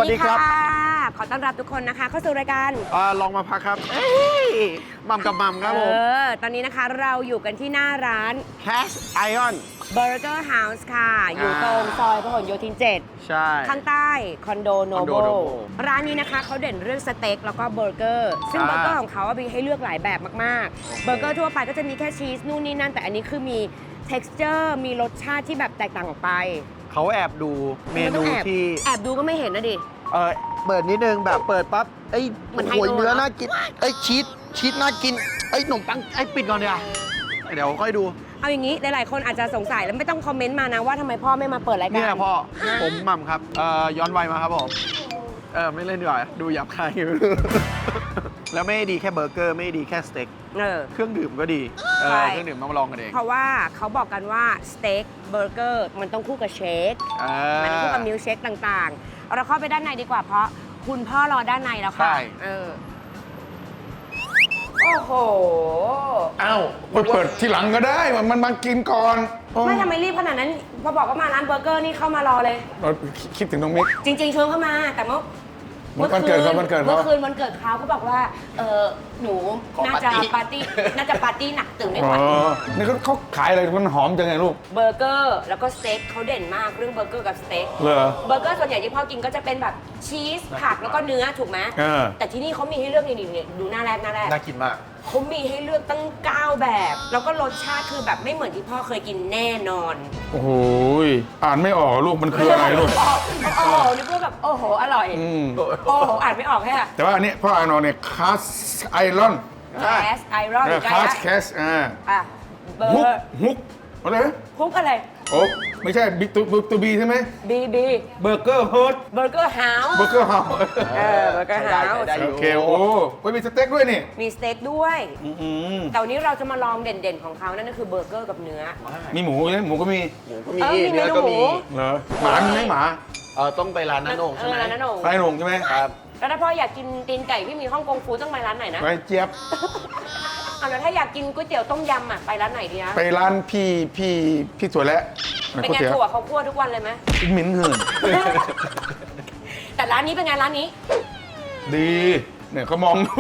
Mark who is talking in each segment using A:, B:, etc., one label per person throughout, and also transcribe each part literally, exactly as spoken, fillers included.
A: ดีค่ะ
B: ขอต้อนรับทุกคนนะคะเข้าสู่รายการ
A: อ่าลองมาพักครับเอ้ยมัมกับมัมครับผม
B: เออตอนนี้นะคะเราอยู่กันที่หน้าร้าน
A: Cash Iron
B: Burger House ค่ะ อยู่ตรงซอยพหลโยธินเจ็ด
A: ใช่
B: ข้างใต้คอนโดโน
A: คอน
B: โบ
A: โด Noble
B: ร้านนี้นะคะเขาเด่นเรื่องสเต็กแล้วก็เบอร์เกอร์ซึ่ง
A: อ่า
B: เบอร์เกอร์ของเขาอะมีให้เลือกหลายแบบมากๆ เบอร์เกอร์ทั่วไปก็จะมีแค่ชีสนู่นนี่นั่นแต่อันนี้คือมี texture มีรสชาติที่แบบแตกต่างออกไป
A: เขาแอบดูเมนู
B: ไต้องแอบ
A: ที่
B: แอบดูก็ไม่เห็นนะดิ
A: เออเปิดนิดนึงแบบเปิดปั๊บไอ้
B: เหมือนไฮ
A: โอ้ย
B: โล
A: เนื้อ
B: เนอะ
A: น่ากินไอ้ชีสชีสน่ากินไอ้ขนมปังไอ้ปิดก่อนเดี๋ยวเดี๋ยวค่อยดู
B: เอาอย่างนี้หลายๆคนอาจจะสงสัยแล้วไม่ต้องคอมเมนต์มานะว่าทำไมพ่อไม่มาเปิดรายการ
A: เนี่ยพ่อผมหม่ำครับเอ่อย้อนวัยมาครับผมเออไม่เล่นดีกว่าดูหยาบคาย แล้วไม่ได้ดีแค่เบอร์เกอร์ไม่ได้ดีแค่สเต็ก
B: เออ
A: เครื่องดื่มก็ดีเอ
B: ใช่
A: อเครื่องดื่มต้องมาลองกันเอง
B: เพราะว่าเขาบอกกันว่าสเต็กเบอร์เกอร์มันต้องคู่กับเชค
A: เออ
B: มันต้องคู่กับมิลค์เชคต่างๆเอาเราเข้าไปด้านในดีกว่าเพราะคุณพ่อรอด้านในแล้วค่ะ
A: ใช่
B: เออโอ้โห
C: อ้าวไปเปิดทีหลังก็ได้ มันมันมากินก่อน
B: ไม่ทำไมรีบขนาดนั้นพอบอกว่ามาร้านเบอร์เกอร์นี่เข้ามารอเลย
C: เราคิดถึงน้องมิก
B: จริงๆชวนเข้ามาแต่เมื่อ
C: วันเกิดเขาวันเกิดเขา
B: เมื่อคืนวันเกิดเขาเขาบอกว่าเออหนูน่าจะปาร์ตี้น่าจะปาร์ตี้หนักตื่นไม่
C: อ๋
B: ไหว
C: อนี่เขาเขาขายอะไรมันหอมจังไงลูก
B: เบอร์เกอร์แล้วก็สเต็กเขาเด่นมากเรื่องเบอร์เกอร์กับสเต็ก
C: เหรอ
B: เบอร์เกอร์ส่วนใหญ่ที่พ่อกินก็จะเป็นแบบชีสผักแล้วก็เนื้อถูกไหม
C: เออ
B: แต่ที่นี่เขามีให้เลือกนี่นี่ดูหน้าแรกหน้าแรก
A: น่ากินมาก
B: เขามีให้เลือกตั้งเก้าแบบ แล้วก็รสชาติคือแบบไม่เหมือนที่พ่อเคยกินแน่นอน
C: โอ้โหยอ่านไม่ออกลูกมันคืออะไรลูก
B: โอ้โหนึกว่าแบบโอ้โหอร่อย
C: อืม
B: โอ้โหอ่านไม่ออกแค่
C: แต่ว่าอันนี้พ่ออ่านออกเนี่ยคาสไอรอน
B: แคสไอรอน
C: คาสแคสอ่า
B: อ่ะเบอ
C: ฮุก
B: ร์
C: ฮุกอะไรนะ
B: คุกอะไร
C: โอ้ไม่ใช่บิ๊กตัวตัวบีใช่ไหม
B: บีบี
C: เบอร์เกอร์เฮิร์ท
B: เบอร์เกอร์เฮาส์
C: เบอร์เกอร์เฮาส์
B: เออเบอร์เกอร์เฮาส์
A: ได้อยู่
C: โอเคโอ้ไว้มีสเต็กด้วยนี่
B: มีสเต็กด้วย
C: อืม
B: แต่วันนี้เราจะมาลองเด่นๆของเขานั่นก็คือเบอร์เกอร์กับเนื้อ
C: มีหมูใช่ไหมหมูก็มี
A: หมูก็มี
B: เออมี
A: เนื้อก็
B: เมนูหมู
A: มี
C: เหรอหมามีไหมหมา
A: เออต้องไปร้านน้าโหน่งใช่ไหม
B: เออร้านน้าโหน่ง
C: ไปหลงใช่ไหม
A: ครับ
B: แล้วถ้าพ่ออยากกินตีนไก่ที่มีฮ่องกงฟูต้องไปร้านไหนนะ
C: ไปเจี๊ยบ
B: เอาแล้วถ้าอยากกินก๋วยเตี๋ยวต้มยำอ่ะไปร้านไหนดีนะ
C: ไปร้านพี่พี่พี่สวยแล้ว
B: เป็น
C: ก๋วย
B: ไง
C: เตี๋ยว
B: ถั่วเขาคั่วทุกวันเลยไหม
C: เหม็นเหิน
B: แต่ร้านนี้เป็นไงร้านนี้
C: ดีเนี่ยเขามองอยู่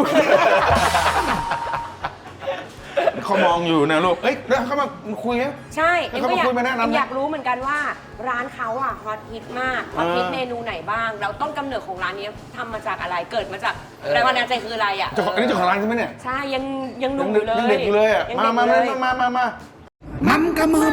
C: เขามองอยู่นะลูกเอ้ยแล้วเขามาคุยไหม
B: ใช่
C: แล้วเขามาคุยมาแนะนำไหม
B: อยากรู้เหมือนกันว่าร้านเขาอ่ะฮอตฮิตมากฮอตฮิต
C: เออ
B: เมนูไหนบ้างแล้วต้นกำเนิดของร้านนี้ทำมาจากอะไรเกิดมาจากแรงบันดาลใจคืออะไรอ่ะ
C: เจ้าของอันนี้เจ้าของร้านใช่ไหมเนี่ย
B: ใช่ยังยังห
C: ยั
B: นุ่ม
C: ง
B: อยู่เลย
C: ยังเด็กอยู่เลยอ่ะ
B: ยัง
C: มา
B: เด็ก
C: มา
B: อยู่
C: มา
B: เลย
C: มามามามันกระมัน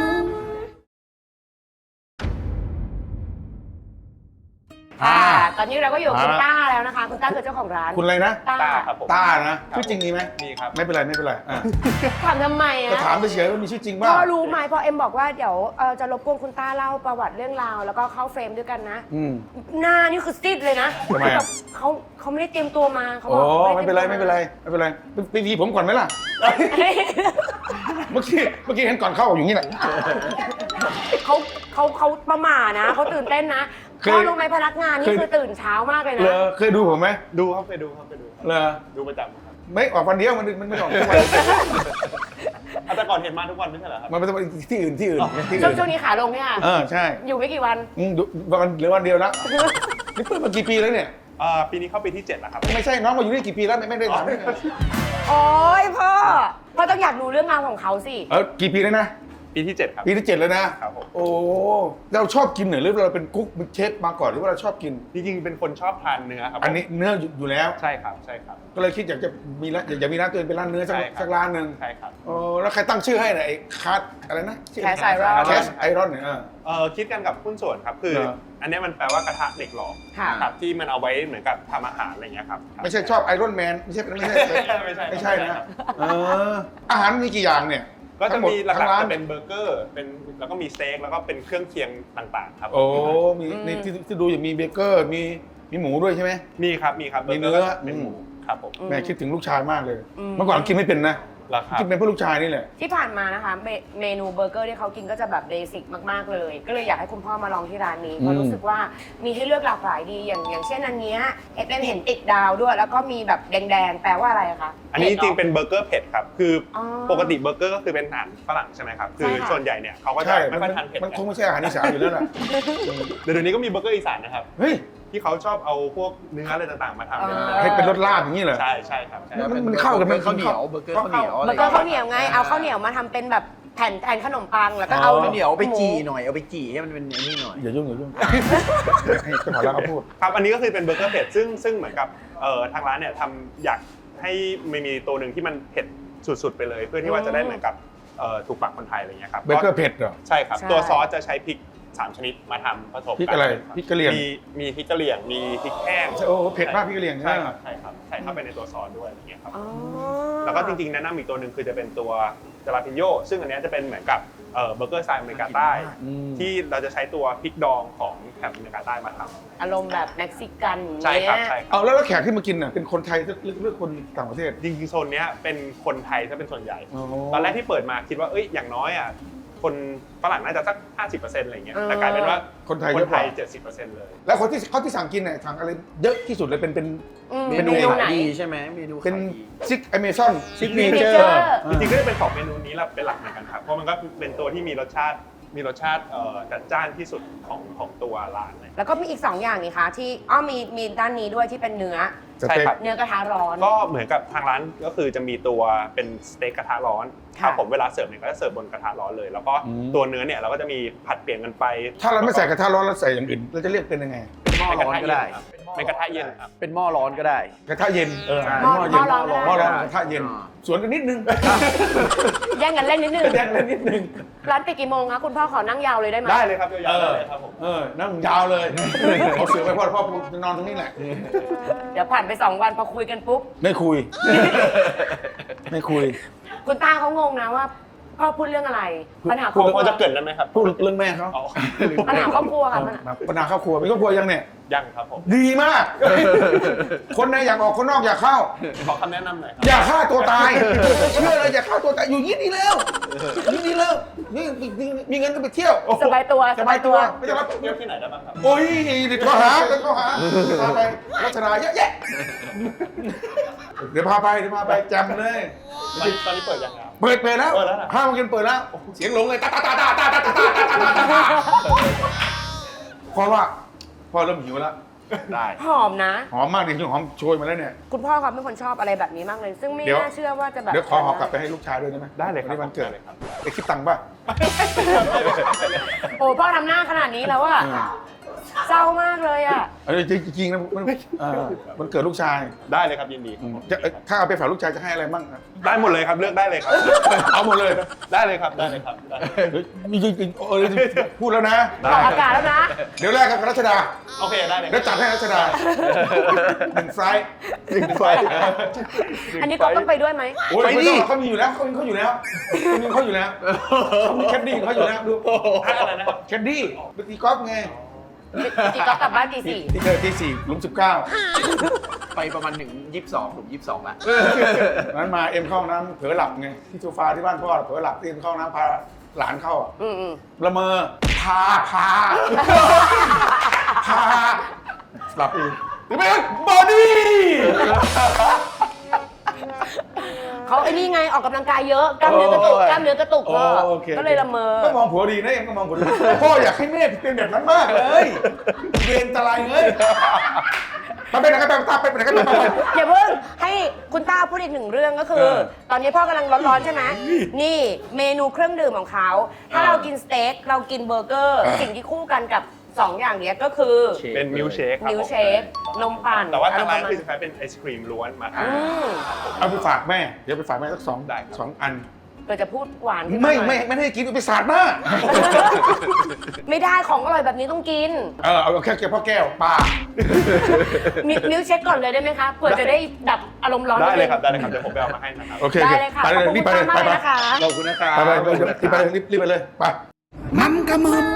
B: ค่ะตอนนี้เราก็อยู่กับคุณ
C: อ่า
B: ต้าแล้วนะคะ คุณต้าคือเจ้าของร้าน
C: คุณอะไรนะ
B: ต้า
D: ครับผม
C: ต้านะชื่อจริงมีไหม
D: มีครับ
C: ไม่เป็นไรไม่เป็นไรอ่ะ
B: ถามทำไม
C: ก็
B: อ่ะ
C: ถามไปเฉยว่ามีชื่อจริง
B: พ่
C: บ้าง
B: อรู้ไหมพอเอ็มบอกว่าเดี๋ยวเอ่อจะรบกวนคุณต้าเล่าประวัติเรื่องราวแล้วก็เข้าเฟรมด้วยกันนะ
C: อืม
B: หน้านี่คือซีดเลยนะ
C: ทำไมอะ
B: แบบเขาเขาไม่ได้เตรียมตัวมาเขา
C: โอ้
B: บอก
C: ไม่เป็นไรไม่เป็นไรไม่เป็นไรไปไปวีผมก่อนไหมล่ะ เมื่อกี้เมื่อกี้เห็นก่อนเข้าอย่างนี้แหละ
B: เขาเขาเขาประหม่านะเขาตื่นเต้นนะ
C: เคย
B: พ่อรู้ไหมพนักงานนี่
C: เคย
B: คือตื่นเช้ามากเลย
C: เล
B: นะ
C: อเคยดูผมไหม
D: ดูครับไปดูครับไปดูครับ
C: เลอ
D: ดูประจำครับ
C: ไม่ออกวันเดียวมันมันไม่ออกทุกวัน
D: อ่ะแต่ก่อนเห็นมาทุกวันไม่ใช่เหรอครับ
C: มันไม่ต้องไปที่อื่นที่อื่นที่
B: ช่ว
C: อื่
B: ง
C: น
B: ช่วงนี้ขาลงเนี่ย
C: เออใช่
B: อยู่ไม่กี่วัน
C: อืมดูวันเหลือวันเดียวแล้วนี่เปิดมากี่ปีแล้วเนี่ย
D: อ่าปีนี้เข้าปีที่เจ็ดแล้วครับ
C: ไม่ใช่น้องมาอยู่นี่กี่ปีแล้วไม่ไม่ได้ถาม
B: โอ้ยพ่อพ่อต้องอยากรู้เรื่องราวของเขาสิ
C: เออกี่ปีแล้วนะ
D: ปีที่เจ็ดครับ
C: ปีที่เจ็ดแล้วนะครับ
D: ผม
C: โอ้เราชอบกินเหรอหรือเราเป็นกุ๊กเป็นเชฟมาก่อนหรือว่าเราชอบกิน
D: จริงๆเป็นคนชอบทานเนื้อครับ
C: อันนี้เนื้ออยู่อยู่แล้ว
D: ใช่ครับใช่ครับ
C: ก็เลยคิดอยากจะมีร้านอยากจะมีร้านตัวเองเป็นร้านเนื้อสัก
D: ใช่ครับ
C: สักร้านหนึ่ง
D: ใช่ครับ
C: โอ้แล้วใครตั้งชื่อให้น่ะไอ้คาร์ดอะไรนะ
B: Cast Iron
C: แคสไอรอนเนี่ยเออ
D: เอ่อคิดกันกับหุ้นส่วนครับคือ
C: เหรอ
D: อันนี้มันแปลว่ากระทะเหล็กหลอม
B: ค่ะ
D: ครับที่มันเอาไว้เหมือนกับทำอาหารอะไรอย่างเงี้ยครับ
C: ไม่ใช่ชอบไอรอนแมนไม่ใช่ไม่ใช่
D: ไม่ใช่
C: ไม่ใช่
D: ไม่ใช่
C: นะเอออาหารมีกี่อย่างเนี่ย
D: ก็จะมีหลั
C: ทั้ง
D: ก
C: ร้า
D: ๆ
C: น
D: จะเป็นเบอร์เกอร์เป็นแล้วก็มีสเต็กแล้วก็เป็นเครื่องเคียงต่างๆครับ
C: โอ้มีในที่ที่ดูอย่างมีเบเกอร์มีมีหมูด้วยใช่ไหม
D: มีครับมีครับ
C: มีเนื้อ
D: เป็นหมูครับผม
C: แม่คิดถึงลูกชายมากเลย
B: อืม
C: เมื่อก่อนกินไม่เป็นนะ
D: ราคา
C: กินเป็นเพราะลูกชายนี่แหละ
B: ที่ผ่านมานะคะเมเมนูเบอร์เกอร์ที่เขากินก็จะแบบเบสิกมากๆเลย ก็เลยอยากให้คุณพ่อมาลองที่ร้านนี้เพราะรู้สึกว่ามีให้เลือกหลากหลายดีอย่างอย่างเช่นอันเนี้ยเอ็มเห็นติดดาวด้วย แล้วก็มีแบบแดงๆ แปลว่าอะไรอะคะ
D: อันนี้จริงๆ
B: ผ็ดห
D: เป็นเบอร์เกอร์เผ็ดครับ คืออ
B: อ
D: ปกติเบอร์เกอร์ก็คือเป็นอาหารฝรั่งใช่ไหมครับ คือ
B: ใช่ค่ะ
D: ส่วนใหญ่เนี่ยเขาก็จะ
C: ใช่
D: ไม่ค่อยทานเผ็ด
C: มัน
D: กั
C: คงไม่ใช่อาหารอีสานอยู่แล้วล่ะ
D: เดี๋ยวนี้ก็มีเบอร์เกอร์อีสานนะครับ
C: เฮ้ย
D: ที่เขาชอบเอาพวกเนื้ออะไรต่างๆมาทำเป็น
B: อ่า
C: ให้เป็นรสลาบอย่างนี้เหรอ
D: ใช่ใช่ครับใช่
C: มันมันเข้ากันไหม
A: ข้าวเหนียวเบอร์เกอร์ข้าวเหนียวะ
B: เบ
A: ไร
B: อร์เกอร์ข้าวเหนียวไงเอาข้าวเหนียวมาทำเป็นแบบแผ่นแผ่นขนมปังแล้วก็เอา
A: ข้าวเหนียวเอาไปจี่
B: ห
A: หน่อยเอาไปจี่ให้มันเป็นไอ้นี่หน่อย
C: อย่ายุ่งอย่ายุ่งให้เจ้าของร้านเขาพูด
D: ครับอันนี้ก็คือเป็นเบอร์เกอร์เผ็ดซึ่งซึ่งเหมือนกับเอ่อทางร้านเนี่ยทำอยากให้ไม่มีตัวหนึ่งที่มันเผ็ดสุดๆไปเลย เพื่อที่ว่าจะได้เหมือนกับเอ่อถูกปากคนไทยอะไรเงี้ยครับ
C: เบเกอร์เผ็ดเหรอ
D: ใช่ครับ
B: ใช่
D: ตัวซอสจะใช้พริกสามชนิดมาทำผสม
C: พริก
D: กั
C: อะไร
D: คบ
C: พริกกะเหรี่ยง
D: มีมีพริกกะเหรี่ยงมีพริกแห้ง
C: โอ้โหเผ็ดมากพริกกะเหรี่ยง
D: ใช่
C: ใช่ไหม
D: ครับใช่ครับใส่เข้าไปในตัวซอสด้วยอะไรเงี้ยครับ
B: อ๋อ
D: แล้วก็จริงๆแนะนำอีกตัวหนึ่งคือจะเป็นตัวจาราพิโยซึ่งอันเนี้ยจะเป็นเหมือนกับเอ่อเบอร์เกอร์สไตล์อเมริกาใต้
C: อืม
D: ที่เราจะใช้ตัวพริกดองของแถบอเมริกาใต้มาทำ
B: อารมณ์แบบเม็กซิกันอย่าง
D: ใช่
B: เงี้
D: ครับ
B: ย
D: ใช่ครับ
C: เอาแล้วแล้วแขกที่มากินน่ะเป็นคนไทยหรือหรือคนต่างประเทศ
D: จริงๆโซนเนี้ยเป็นคนไทยถ้าเป็นส่วนใหญ่
C: อ๋อ
D: ตอนแรกที่เปิดมาคิดว่าเอ้ยอย่างน้อยอ่ะคนฝรั่งน่าจะสัก ห้าสิบเปอร์เซ็นต์ อะไรเงี้ย
B: เออ
D: แต่กลายเป็นว่า
C: คนไทย
D: ค
C: เย
D: น
C: อะก
D: ไท
C: ว่า
D: ย เจ็ดสิบเปอร์เซ็นต์ เลย
C: แล้วคนที่เขาที่สั่งกินเนี่ยสั่งอะไรเยอะที่สุดเลยเป็นเป็น
B: อืม
A: เม
B: เม
A: นู
B: นูไหน
A: ขายดีใช่ไหมเมนู
C: เป็น
A: ขายดี
C: ซิกอเมซอน
A: ซิกเน
B: เน
A: เจอ
B: เจอ
A: ร์
B: ร์
D: จริงๆก็จะเป็นสองเมนูนี้แหละเป็นหลักเหมือนกันครับเพราะมันก็เป็นตัวที่มีรสชาติมีรสชาติเอ่อจัดจ้านที่สุดของของตัวร้านเลย
B: แล้วก็มีอีกสองอย่างนี่คะที่อ้อมีมีด้านนี้ด้วยที่เป็นเนื้อ
C: สเต็ก
D: ใช่ครับ
B: เนื้อกระทะร้อน
D: ก็เหมือนกับทางร้านก็คือจะมีตัวเป็นสเต็กกระทะร้อน
B: ค่ะ
D: ครับผมเวลาเสิร์ฟเนี่ยก็จะเสิร์ฟบนกระทะร้อนเลย แล้วก็
C: อืม
D: ตัวเนื้อเนี่ยเราก็จะมีผัดเปลี่ยนกันไป
C: ถ้าเราไม่ใส่กระทะร้อนเราใส่อย่างอื่นเราจะเรียกเป็นยังไง
A: เป็นหม้อ
D: เป็นก
A: ร้
D: ระ
A: อน
D: ทะ
A: ก็ ได้
D: เย็นครับเป็นกระทะเย็นครับ
A: เป็นหม้อร้อนก็ได้
C: กระทะเย็นเออ
A: ใช่
C: หม้อเย็น
B: หม้อร้อนก็ได้
C: หม้อร้อนกระทะเย็น
A: อ่า
C: สวนกันนิดนึง
B: แย่งกันเล่นนิดนึง
C: แยกเลยนิดนึง
B: ร้านปิดกี่โมงคะคุณพ่อขอนั่งยาวเลยได้ไหม
D: ได้เลยครับยาวๆได้เลยครับผม
C: เออนั่งยาวเลยเอาเสือไปพ่อพ่อจะนอนตรงนี้แหละ
B: เดี๋ยวผ่านไปสองวันพอคุยกันปุ๊บ
C: ไม่คุย ไม่คุย
B: คุณตาเขางงนะว่าพ่อพูดเรื่องอะไร ปัญหาค
C: พู
B: รอ
C: ด
B: บค
D: พ
B: รั
D: อ
B: ว
D: จะเกริดได้ไหมครับ
C: พูดเรื่องแม่เขา
D: อ๋อ
B: ปัญหาครอบครัวค่ะปัญหา
C: ปัญหาครอบครัวมีครอบครัวยังเนี่ย
D: ยังครับผม
C: ดีมาก คนในอยากออกคนนอกอยากเข้า
D: ขอคำแนะนำหน่อยครับ
C: อย่าฆ่าตัวตาย เชื่อเลยอย่าฆ่าตัวตายอยู่ยี่นี่แล้วยี่นี่แล้วนี่มีมีเงินก็ไปเที่ยว
B: สบายตัว
C: สบายตัวไม่ต้องรับ
D: เที่ยวที่ไหนได้บ้างครับ
C: โอ้ยเดี๋ยวเขาหาเดี๋ยวเขาหาพาไปรัชนาเยอะแยะเดี๋ยวพาไปเดี๋ยวพาไปจำเลย
D: ตอนตอนนี้เปิดยังครับ
C: เปิดเปิดแล้ว
D: เปิดแล้วเหรอ
C: ห้าโมงเย็นเปิดแล้วเสียงหลงเลยตาตาตาตาตาตาตาตาตาตาตาเพราะว่าพ่อเริ่มหิวแล้ว
A: ได้
B: หอมนะ
C: หอมมากเลยหอมโชยมาแล้วเนี่ย
B: คุณพ่อเขาเป็นคนชอบอะไรแบบนี้มากเลย ซึ่งไม่
C: เดี๋ยว
B: น่าเชื่อว่าจะแบบ
C: เดี๋ยวขอหอกลับไปให้ลูกชายด้วยได้ไหม
D: ได้เลยครับ
C: วันนี้วันเกิด
D: ได้เลยครับ
C: ไอ้คิดตังค์ป่ะ
B: โอ้พ่อทำหน้าขนาดนี้แล้วอะเศร้ามากเลยอะ
C: เออจริงๆนะมันเออมันเกิดลูกชาย
D: ได้เลยครับยินดี
C: จะถ้าเอาไปฝากลูกชายจะให้อะไรบ้างอะ
D: ได้หมดเลยครับเลือกได้เลยครับ
C: เอาหมดเลย
D: ได้เลยครับได้เลยครับได้
C: เฮ้ยจริงๆเออพูดแล้วนะ
B: ออกอากาศแล้วนะ
C: เดี๋ยวแรกกับรัชดา
D: โอเคได้เลยค
C: เดี๋
D: รั
C: ยวจัดให้รัชดาหนึ่งไฟล์
A: หนึ่งไฟ
B: อันนี้ก็ต้องไปด้วยไหม
C: โอ้ย
A: ไป
C: ไม่
A: ดิ
C: ต้องเขามีอยู่แล้วเขามีเขาอยู่แล้วเขามีเขาอยู่แล้วเขามีแคดดี้เขาอยู่แล้วดู
D: อะไรนะครับ
C: แคดดี้ไปตีกอล์ฟไง
B: จีก็กลับบ้านตีสี่
C: ที่เคยตีสี่หลุมสิบเก้า
A: ไปประมาณถึงยี่สิบสองถึงยี่สิบสองละ
C: นั้นมาเอ็มเข้าห้องน้ำเผลอหลับไงที่โซฟาที่บ้านพ่อเผลอหลับเอ็มเข้าห้องน้ำพาหลานเข้าอะ
B: อืมอืม
C: ละเมอพาพาพาหลับอีกหรือไม่บอดี้
B: เขาไอ้นี่ไงออกกำลังกายเยอะกล้ามเนื้อกระตุกกล้ามเนื้อกระตุกพ่อ
C: โอเค
B: ก็เลยละเมอ
C: ก็มองผัวดีนะเอ็มก็มองผัวดีพ่ออยากให้แม่เป็นแบบนั้นมากเลยเวรตะไลเลยไปไปไหนกันไปตาไปไปไหนกันไปไป
B: อย่าเพิ่งให้คุณต้าพูดอีกหนึ่งเรื่องก็คือ
C: เออ
B: ตอนนี้พ่อกำลังร้อนๆใช่ไหมนี่เมนูเครื่องดื่มของเขา ถ้าเรากินสเต็กเรากินเบอร์เกอร์ สิ่งที่คู่กันกับสองอย่างเนี้ยก็คือ
D: เป็นมิลเชคครับ
B: มิลเชค นมปั่น
D: แต่ว่าทางร้าน
B: ะไ
D: คือจะใช้เป็นไอศครีมล้วนมา
B: อื
D: ทำ
B: ม
C: เอาไปฝากแม่เดี๋ยวไปฝากแม่สักสอง
D: ได้ครับ
C: สองอัน
B: เกิดจะพูดหวานขึ้น
C: ไม่
B: หน่อย
C: ไม่ไม่ให้กินไปสาดหน้า
B: ไม่ได้ของอร่อยแบบนี้ต้องกิน
C: เออเอาแค่แก้วพ่อแก้วปลา
B: มิมิลเชคก่อนเลยได้ไหมคะเผื่อจะได้ดับอารมณ์ร้อน
D: ได้เลยครับ
B: นิ
D: ได้เลยครับเดี๋ยวผมไปเอามาให้นะครับ
C: โอเค
B: ได้
C: โอเค
B: เลยค่ะ
C: ไป
B: ขอบ
C: เลย
B: คุณ
C: รีบไป
B: คุณ
C: เลย
B: ต้า
C: ไป
B: มาก
C: ไป
B: เลยนะคะ
A: ขอบคุณนะครับ
C: ไปไปไปรีบไปเลยรีบรีบไปเลยไปมัมกะมัม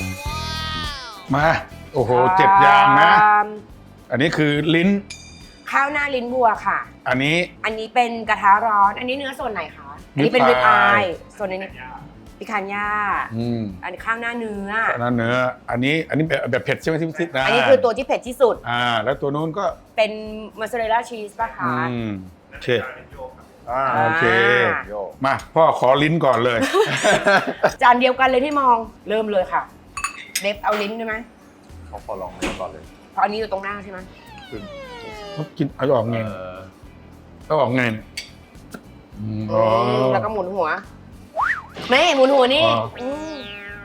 C: มาโอ้โหเจ็ดอย่างนะ อันนี้คือลิ้น
B: คข้าวหน้าลิ้นวัวค่ะ
C: อันนี้
B: อันนี้เป็นกระทะร้อน อันนี้เนื้อส่วนไหนคะ อันนี้เป็น
C: rib
B: ริบอาย
C: eye
B: ส่วนนี้พิคันย่า
C: อืม
B: อันนี้ข้าวหน้าเนื้อ
C: อันนั้นเนื้ออันนี้อันนี้แบบแบบเผ็ดใช่ไหมที่ซิดนะ
B: อันนี้คือตัวที่เผ็ดที่สุด
C: อ่าแล้วตัวนู้นก็
B: เป็นมอสซาเรลล่าชีสป่ะคะ
C: อืมโอเค
A: อ่า
C: โอเค
A: โยก
C: มาพ่อขอลิ้นก่อนเลย
B: จานเดียวกันเลยที่มอง เริ่มเลยค่ะ เด็บเอาลิ้นได้ไหม
A: เขาขอลองเนื้อก่อนเลย
B: เพราะอันนี้อยู่ตรงหน้าใช่ไหม
C: เขากินเอาออกไง
A: เออ
C: เอาออกไงเนี่ยอืม
B: อื
C: อ๋อ
B: มแล้วก็หมุนหัวแม่หมุนหัวนี่
C: อ๋อ
B: อืม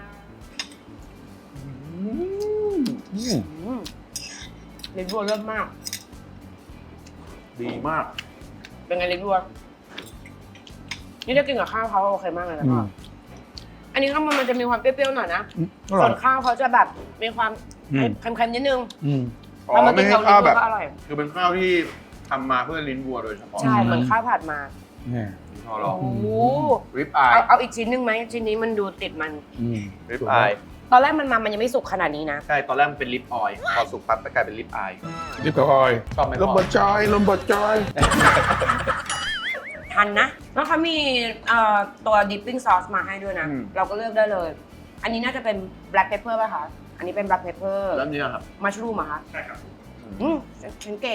C: อืม
B: อืมลิ้นวัวเลิศมาก
A: ดีมาก
B: เป็นไงลิ้นวัว นี่ถ้ากินกับข้าวเขาโอเคมากเลยนะ
C: อื
B: พ่อ
C: ม
B: อันนี้ข้างบนมันจะมีความเปรี้ยวๆหน่อยนะ
C: อร่
B: ส่
C: อ
B: วย นข้าวเขาจะแบบมีความ
C: อืม
B: เค็มๆนิดนึง
C: อืม
A: อ๋อ
B: แล้วมา
A: ไม่
B: กิน
A: ใช่
B: กับลิ้
A: ข้าวน
B: วั
A: แบ
B: ว
A: บ
B: ก็อร่อย
A: คือเป็นข้าวที่ทำมาเพื่อลิ้นวัวโดยเฉพาะ
B: ใช่ เหมือนข้าวผัดมา
C: เนี่ย
A: พอลอง
B: โอ้โห
A: ริบอาย
B: เอาเอาอีกชิ้นหนึ่งไหมชิ้นนี้มันดูติดมัน
C: อืม
A: ริบอาย
B: ตอนแรกมันมามันยังไม่สุกขนาดนี้นะ
A: ใช่ ตอนแรกมันเป็นลิปออยล์พอสุกปั๊บก็กลายเป็นลิปอาย
C: ลิปกับออย
A: ชอบไหม
C: ลมบดจอยลมบดจอย
B: ทันนะ แล้วเขามีเอ่อตัว dipping sauce มาให้ด้วยนะ เราก็เลือกได้เลย อันนี้น่าจะเป็น black pepper ป่ะคะ อันนี้เป็น black pepper
A: แล้วนี่ครับ
B: mushroom อะคะ
D: ใช่ครับ
B: อืมฉันเก่ง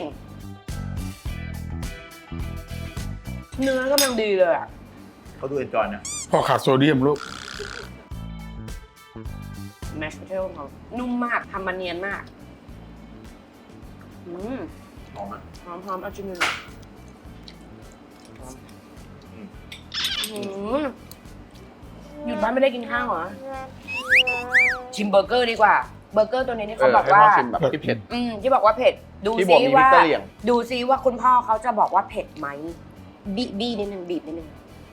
B: เนื้อกำลังดีเลยอะ
A: เขาดูเอนจอยนะ
C: พ่อขาดโซเดียมลูก
B: mashed potato ของเขานุ่มมากทำมันเนียนมาก อืม
A: หอมอ่ะ
B: หอมหอมเอาชิมดูหน่อยหอมอืมหยุดบ้านไม่ได้กินข้าวเหรอ ชิมเบอร์เกอร์ดีกว่า เบอร์เกอร์ตัวนี้นี่เขาบอกว่า
A: ให้พ่ชิมแบบที่เผ็ด
B: อืมที่บอกว่าเผ็ด ดู
A: ที่บอก
B: ซิ
A: มี
B: ว่า
A: พริกกะเหรี่ยง
B: ดูซิว่าคุณพ่อเขาจะบอกว่าเผ็ดไหมบีบีนิดนึงบีบนิดนึง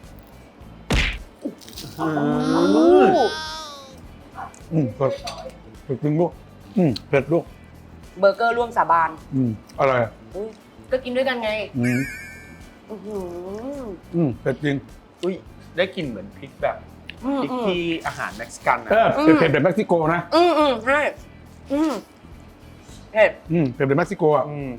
A: อืม
C: อืมเผ็ดเผ็ดจริงลูกอืมเผ็ดลูก
B: เบอร์เกอร์ร่วมสาบาน
C: อืมอะไร
B: อุ๊ยก็กินด้วยกันไง
C: อืม
B: อื้อหือ
C: อืมเผ็ดจริง
A: อุ้ย ได้กลิ่นเหมือนพริกแบบ
B: อืม
A: พริก
B: อืม
A: ที่อาหารเม็กซิกันนะ
C: เออเผ็ดแบบเม็กซิโกนะ
B: อืมอืมใช่อืมเผ็ด
C: อืมเผ็ดแบบเม็กซิโกอ่ะ
A: อืม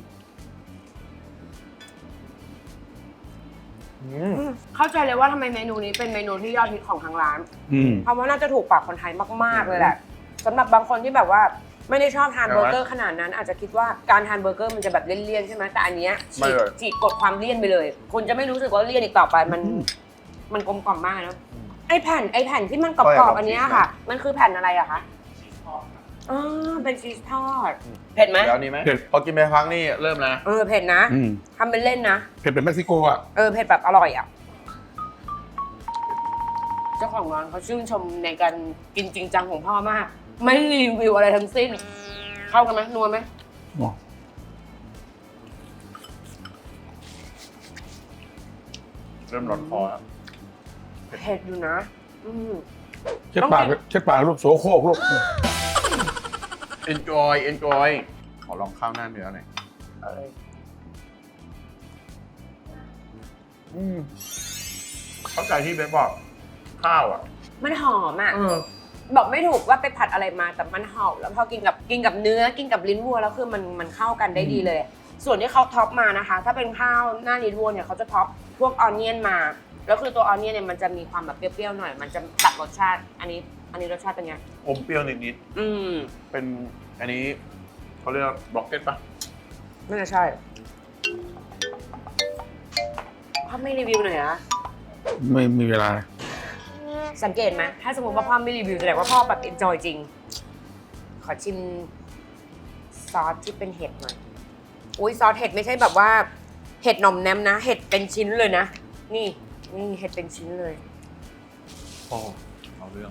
A: อืม
B: อืมเข้าใจเลยว่าทำไมเมนูนี้เป็นเมนูที่ยอดฮิตของทางร้าน
C: อืม
B: เพราะว่าน่าจะถูกปากคนไทยมาก ๆ เลยแหละสำหรับบางคนที่แบบว่าไม่ได้ชอบทาน
A: ใช่ไหม
B: เบอร์เกอร์ขนาดนั้น อาจจะคิดว่าการทานเบอร์เกอร์มันจะแบบเลี่ยนๆใช่ไหมแต่อันเนี้ย
A: ไม่
B: ฉีก
A: เลย
B: ฉีกกดความเลี่ยนไปเลย คุณจะไม่รู้สึกว่าเลี่ยนอีกต่อไปมัน มันกลมกล่อมมากนะไอแผ่นไอแผ่นที่มันกรอบๆอันเนี้ยค่ะ มันคือแผ่นอะไรอะคะอ๋อเป็นชีสทอดเผ็ดไหม
A: แล้วนี่ไหม
C: เผ็ด
A: พอกินไปครั้งนี่เริ่มนะ
B: เออเผ็ดนะ
C: อืม
B: ทำเป็นเล่นนะ
C: เผ็ดแบบเม็กซิโกอ่ะ
B: เออเผ็ดแบบอร่อยอ่ะ เจ้าของร้านเขาชื่นชมในการกินจริงจังของพ่อมาก ไม่รีวิวอะไรทั้งสิ้น เข้ากันไหมนัวไหม
C: อ๋อ
A: เริ่มร้อนคอแล้ว
B: เผ็ดอยู่นะ อืม
C: เช็ดปากเช็ดปากลูกโสโครกลูก
A: enjoy enjoy ขอลองข้าวหน้าเนื้อหน่อย
B: เออ
A: อืมเข้าใจที่เบสบอกข้าวอ่ะ
B: มันหอมอ่ะ
A: เออ
B: บอกไม่ถูกว่าไปผัดอะไรมาแต่มันหอมแล้วพอกินกับกินกับเนื้อกินกับลิ้นวัวแล้วคือมันมันเข้ากันได้ดีเลย ส่วนที่เขาท็อปมานะคะ ถ้าเป็นข้าวหน้าลิ้นวัวเนี่ยเขาจะท็อปพวกออนเนียนมา แล้วคือตัวออนเนียนเนี่ยมันจะมีความแบบเปรี้ยวๆหน่อย มันจะตัดรสชาติ อันนี้ อันนี้รสชาติเป็นไง
A: อมเปรี้ยวนิด
B: อืม
A: ๆ เป็นอันนี้เขาเรียกว่าบล็อกเก็ตปะ
B: น่าจะใช่พ่อไม่รีวิวหน่อยนะ
C: ไม่มีเวลา
B: สังเกตไหมถ้าสมมติว่าพ่อไม่รีวิวแสดงว่าพ่อแบบเอนจอยจริง ขอชิมซอสที่เป็นเห็ดหน่อย อุ้ยซอสเห็ดไม่ใช่แบบว่า เห็ดหน่อมแนมนะ เห็ดเป็นชิ้นเลยนะ นี่นี่เห็ดเป็นชิ้นเลย
A: โอ้เอาเรื่อง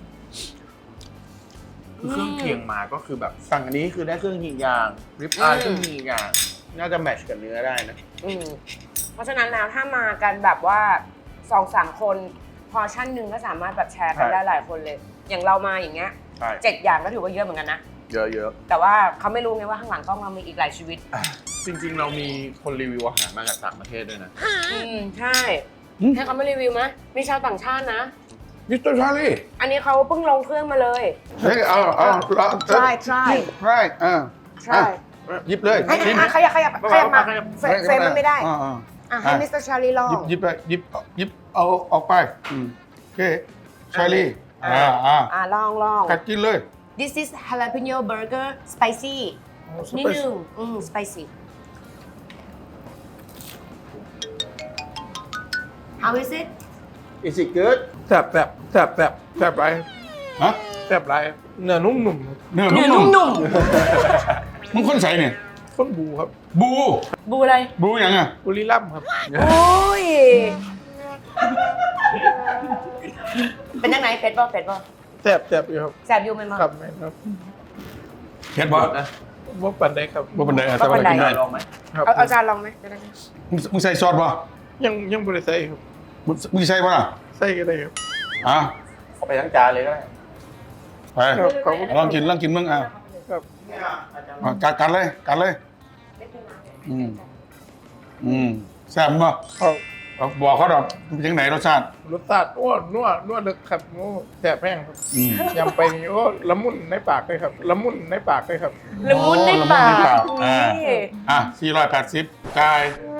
A: คือเครื่องเคียงมาก็คือแบบสั่งอันนี้คือได้เครื่องยิงยางริบอาย
B: อืม
A: เครื่องยิงยางน่าจะแมทช์กับเนื้อได้นะ
B: อืมเพราะฉะนั้นแล้วถ้ามากันแบบว่าสองสามคนพอร์ชั่นหนึ่งก็สามารถแบบแชร์กัน
A: ใช่
B: ได้หลายคนเลย อย่างเรามาอย่างเงี้ย
A: ใช่
B: เจ็ดอย่างก็ถือว่าเยอะเหมือนกันนะ
A: เยอะ
B: แต่ว่าเขาไม่รู้ไงว่าข้างหลังกล้องเรามีอีกหลายชีวิต
A: ๆ จริงๆ เรามีคนรีวิวอาหารมาจากต่างประเทศด้วยนะ
B: อืมใช่
C: อืม
B: ให้เขาไม่รีวิวไหมมีชาวต่างชาตินะ
C: มิสเตอร์ชาลี
B: อันนี้เขาเพิ่งลงเครื่องมาเลย
C: เฮ้ยเอาเอาเอา
B: try try
C: ใช่อ่า
B: try
C: หยิบเลย
B: ไอ้ไอ้ขยับขยับขยับมาเฟรเฟรมมันไม่ได้
C: อ่าอ่า
B: อ่ะให้มิสเตอร์ชาลีลอง
C: หยิบหยิบไปหยิบหยิบเอาออกไปอืมโอเคชาลีอ่าอ่า
B: อ่ะลองลอง
C: กัดกินเลย
B: This is jalapeno burger spicy นิดนึงอืม spicy How is it
A: Is it good
E: แซ่บแซ่บแซ่บแซ่บแซ่บไร
C: ฮะ
E: แซ่บไรเนื้อนุ่ม
C: เนื้อ
B: เนื้อ
C: นุ่ม
B: นุ่ม
C: ๆมึงคนใส่เนี่ย
E: ๆข้นบูครับ
C: บู
B: ๆบูอะไร
C: บูยังอ่ะ
E: บุรีรัมย์ครับ
B: โอ้ย เป็นยังไงเผ็ดบ่เผ็ดบ่
E: แซ่บแซ่บอยู่ครับ
B: แสบอยู่ไหมมั้ง
E: ครับแม่นครับ
C: เห็ดบ่
E: ว่าปันได้ครับ
C: บ่เป็นไรอ่ะแต่ว่ากินได้
A: ลองไหม
E: ครับ
B: เอาเอาจานลองไหมจะได้ไหม
C: มึงมึงใส่ซอสบ่
E: ยังยังบริใส่ครับ
C: มึงมึงใส่บ่ล่ะ
E: ใส่ก็ได้ครับ
C: อ่ะ
A: เอาไปทั้งจานเลยก็ได้
C: ไป
E: ครับขอบคุณ
C: ลองกินลองกินมึงอ่ะ
E: ครับ
C: อ่ะกัดกัดเลยกัดเลยอืมอืมแซ่บบ่
E: เอา
C: เอาบอกเขาดอกเป็นยังไงรสชาติ
E: รสชาติอ้วนนัวนัวลึกครับโอ้แซ่บแห้งครับ
C: อืม
E: ยำไปนี่โอ้ละมุนในปากเลยครับละมุนในปากเลยครับ
B: ละมุนในปาก
C: ละมุนในปากอ่า
B: นี่
C: อ่ะสี่ร้อยแปดสิบกาย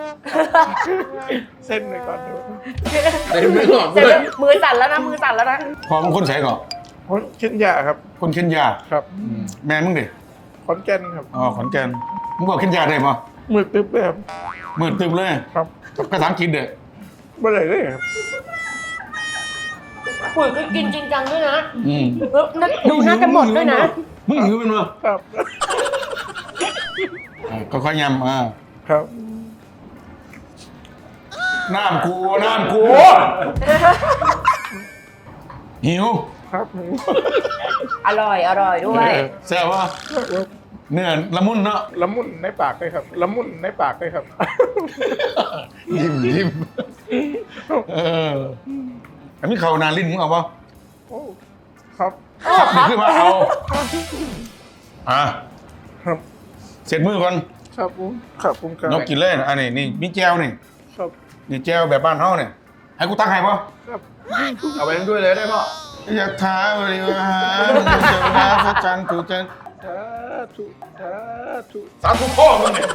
E: เส้นเลยก่อนเดี๋ยว
A: เต็มไม่หอม
B: เดี๋
A: เลย
B: วย มือสั่นแล้วนะมือสั่นแล้วนะ
C: พอมึงคนใส่ก่อน
E: คนเช่นยาครับ
C: คนเคนยา
E: ครับ
C: อืมแม่มึงดิ
E: ขอนแก่นครับ
C: อ๋อขอนแก่นมึงบอกเคนยาได้ปะ
E: มือตึ๊บเลยครับ
C: มืดตึมเลย
E: ครับ
C: ภาษาอังกฤษเด้อ
E: เมื่อไหร่เลยครับ
B: ปุ๋ยก็กินจริงจังด้วยนะ
C: อืม
B: แล้วน่าดูน่าจะหมดด้วยนะ
C: มึงหิวเป็นมั้ย
E: ครับ
C: อ่ะค่อยๆยำอ่า
E: ครับ
C: น้ำกูน้ำกูหิว
E: ครับ
B: อร่อยอร่อยด้วย
C: แซ่บวะเนื้อละมุนเนาะ
E: ละมุนในปากเลยครับละมุนในปากเลยครับ
C: ยิ้มยิ้มเอออันนี้เขานานลิ้นมึงเอาปะ
E: โอ้ครับ
C: ขับนี่ขึ้นมาเอาอ่ะ
E: ครับ
C: เสร็จมือก่อน
E: ครับผมครับผมครับ
C: นกกินเลยนะอันนี้นี่มีแจวนี่
E: ครับ
C: นี่แจวแบบบ้านเฮาเนี่ยให้กูตั้งให้ปะ
E: ครับ
A: เอาไปทั้งด้วยเลยได้ป่ะ
C: อยากท้าบริวารเจ้าหน้าพระจันทร์ถูกจันทร์
E: สาธุสาธุ
C: สาธุพ่อมึงเนี่ย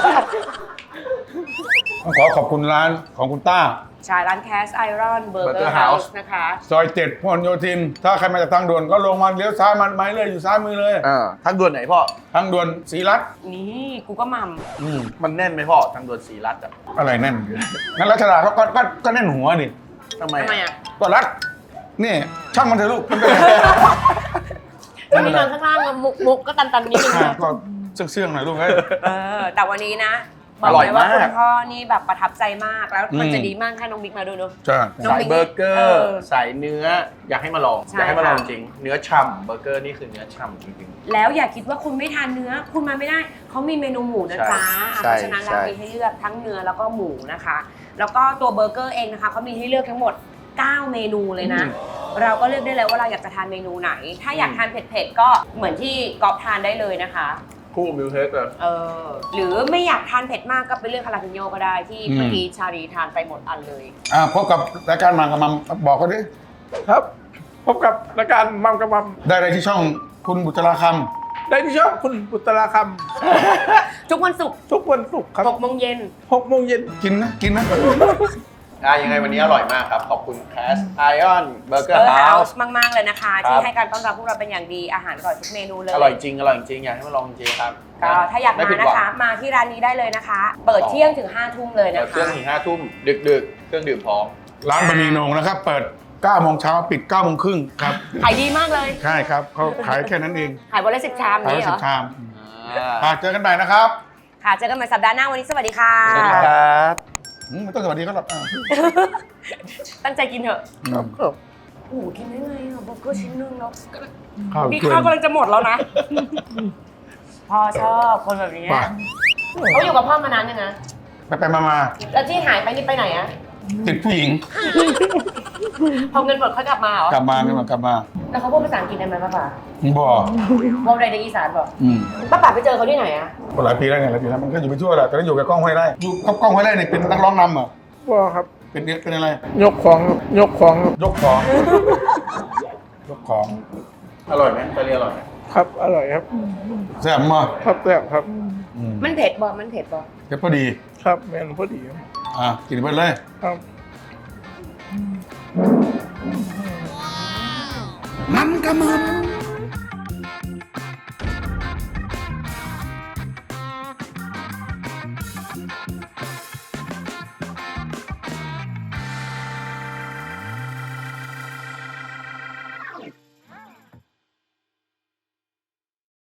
C: ต้องขอขอบคุณร้านของคุณต้า
B: ใช่ร้านแคสไอรอนเบอร์เกอ
A: Burger
B: ร์เฮา
A: House
B: ส์นะคะ
C: ซอยเจ็ดพหลโยธิน ถ้าใครมาจากทางด่วนก็ลงมาเลี้ยวซ้ายมันไม้เลยอยู่ซ้ายมือเลย
A: อ่าทางด่วนไหนพ่อ
C: ทางด่วนศรีรัตน์
B: นี่กูก็มัม
C: อืม
A: มันแน่นไหมพ่อทางด่วนศรีรัตน์อ่ะ
C: อะไรแน่นงั้นรัชดาก็ก็ก็ก็แน่นหัวนี่
A: ทำไม
B: ทำไมอ่ะ
C: ก็รัดนี่ช่างมันเถอะลูกมันเป็นไร
B: วันนี้นอนข้างล่างอะมุกมุกก็ตันตันๆนิดนึง
C: อ่ะ
B: นะ
C: ก็เสื่องๆหน่อยลูกเอ้ย
B: เออแต่วันนี้นะบอกเลยว่าคุณพ่อนี่แบบประทับใจมากแล้วมัน
C: อืม
B: จะดีมากถ้าน้องบิ๊กมาดูเนอะ
C: ใช่
B: น้อง
A: สาย
B: บิ๊ก
A: เบอร์เกอ
B: เอ
A: ร์
B: อ
A: สายเนื้อ อยากให้มาลอง
B: ใช่
A: อยากให้มาลอง
B: ค่ะ
A: จริง เนื้อฉ่ำเบอร์เกอร์นี่คือเนื้อฉ่ำจริง
B: แล้วอย่าคิดว่าคุณไม่ทานเนื้อ คุณมาไม่ได้ เขามีเมนูหมูนะจ๊ะ
A: ใช่
B: เพราะฉะนั้นแล้ว
A: ใช่
B: มีให้เลือกทั้งเนื้อแล้วก็หมูนะคะ แล้วก็ตัวเบอร์เกอร์เองนะคะเขามีให้เลือกทั้งหมด เก้า เมนูเลยนะ เราก็เลือกได้เลยว่าเราอยากจะทานเมนูไหน ถ้าอยากทานเผ็ดๆก็เหมือนที่ก๊อฟทานได้เลยนะคะ
A: ๆ คู่มิลเทสเลย
B: เออหรือไม่อยากทานเผ็ดมากก็ไปเลือกคาราเปโยก็ได้ที่เมื่อกี้ชาลีทานไปหมดอันเลย
C: อ่ะพบกับรายการมังกับมัมบอกกันดิ
E: ครับ พบกับรายการมัมกับมัม
C: ได้เลยที่ช่องคุณบุตราค
E: ได้ที่ช่องคุณบุตราค
B: ทุกวันศุกร์
E: ำทุกวันศุกร์ครับ
B: หกโมงเย็น
E: หกโมงเย็น
C: ำกินนะกินนะ
A: อ่ะยังไงวันนี้อร่อยมากครับ ขอบคุณแคสไอออนเบอร์เก
B: เอ
A: อร์
B: อ
A: เฮา
B: เฮา
A: ส์
B: ส์มาก ๆ เลยนะคะ
A: ครับ
B: ที่ให้การต้อนรับพวกเราเป็นอย่างดีอาหารอร่อยทุกเมนูเลย
A: อร่อยจริง อร่อยจริง อยากให้มาลองจริงครับ
B: ก็ถ้าอยาก
A: ไม่
B: มา
A: ผิดห
B: นะ
A: วัง
B: คะ มาที่ร้านนี้ได้เลยนะคะ เปิดเที่ยงถึงห้าทุ่มเลย
A: เปิ
B: นะ
A: ดเครื่
B: คะ
A: องถึงห้าทุ่มดึกๆ เครื่องดื่มพร้อม
C: ร้านบะหมี่โหนงนะครับ เปิดเก้าโมงเช้าปิดเก้าโมงครึ่งครับ
B: ขายดีมากเลย
C: ใช่ครับเขาขายแค่นั้นเอง
B: ขายวันละสิบชาม
C: ขาย
B: นี้เหร
C: สิ
B: อบ
C: ชาม
A: อ่า
C: อ่ะเจอกันใหม่นะครับ
B: ค่ะ เจอกันใหม่สัปดาห์หน้าวันนี้สวัสดีค่ะ
A: สวัสดีครับ
C: อืมไม่ต้องสวัสดีก็หรอกอ่ะ
B: ตั้งใจกินเถอะ
E: ครับครับ
B: โอ้โหกินได้ไงอ่ะเบอร์เกอร์ชิ้นนึงแล้ว
C: ข้าว
B: มี
C: เกิน
B: ข้าวกำลังจะหมดแล้วนะ พ่อชอบคนแบบนี้
C: ป่ะ
B: เขาอยู่กับพ่อมานานยังนะ
C: ไปไปมามา
B: แล้วที่หายไปนี่ไปไหนอะ
C: ติดผู้หญิง
B: พอเงินหมดเขากลับมาเหรอ
C: กลับมาเนี่ยมากลับมา
B: แล้วเขาพูดภาษาอังกฤษได้ไหมป้าป๋า
C: บ่
B: บอกอะไรในอีสานบอก
C: อืม
B: ป้าป๋าไปเจอเขาที่ไหนอะ
C: หลายปีแล้วไงหลายปีแล้วมันก็อยู่ไปทั่วแหละแต่ก็อยู่กับกล้องห้วยไร่อยู่กับกล้องห้วยไร่เนี่ยเป็นนักร้องนำเหรอ
E: ว่าครับ
C: เป็นเป็นอะไร
E: ยกของครับยกของครับ
C: ยกของ ยกของ
A: อร่อยไหมไปเรียนอร่อยไหม
E: ครับอร่อยครับ
C: แซ่บมาก
E: ครับแซ่บครับ
C: อืม
B: มันเผ็ดบอมันเผ็ดบอ
C: เผ็ดพอดี
E: ครับแมนพอดีครับ
C: อ่ะกินไปเลย
E: ครับ
C: มันกระมัน